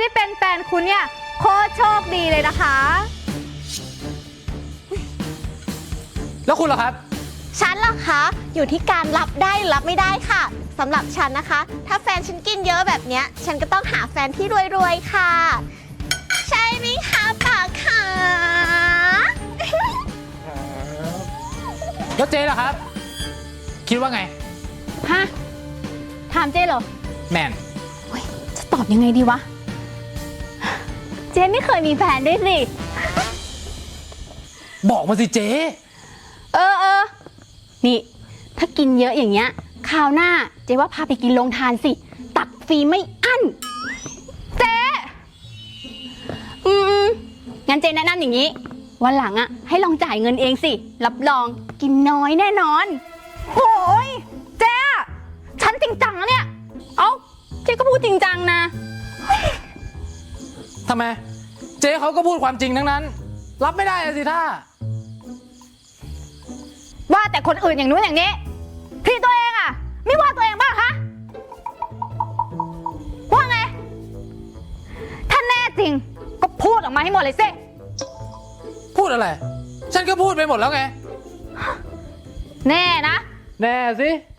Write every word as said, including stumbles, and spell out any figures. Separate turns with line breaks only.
เป็นแฟนคุณเนี่ยโคตรโชคดีเลยนะคะ
แล้วคุณล่ะครับ
ฉันเหรอคะอยู่ที่การรับได้หรือรับไม่ได้ค่ะสำหรับฉันนะคะ ถ้าแฟนฉันกินเยอะแบบเนี้ยฉันก็ต้องหาแฟนที่รวยๆค่ะใช่ไหมคะปากขา
แล้วเจ๊ล่ะครับ คิดว่าไง
ฮะ ถามเจ๊เหรอ
แมน
เฮ้ยจะตอบยังไงดีวะ เจ๊ไม่เคยมีแฟนด้วยสิ
บอกมาสิเจ๊
เออเออ นี่ ถ้ากินเยอะอย่างเงี้ยคราวหน้าเจ๊ว่าพาไปกินโรงทานสิ ตักฟรีไม่อั้น เจ๊อืมงั้นเจ๊แนะนำอย่างนี้ วันหลังอะให้ลองจ่ายเงินเองสิ รับรองกินน้อยแน่นอนโอ้ยเจ๊ฉันจริงจังนะเนี่ย เอ้า เจ๊ก็พูดจริงจังนะ
ทำไม เจ๊เขาก็พูดความจริงทั้งนั้น รับไม่ได้อะสิท่า
ว่าแต่คนอื่นอย่างนู้นอย่างนี้ที่ตัวเองอะไม่ว่าตัวเองบ้างคะว่าไง ถ้าแน่จริงก็พูดออกมาให้หมดเลยสิ
พูดอะไร ฉันก็พูดไปหมดแล้วไง
แน่นะ
แน่สิ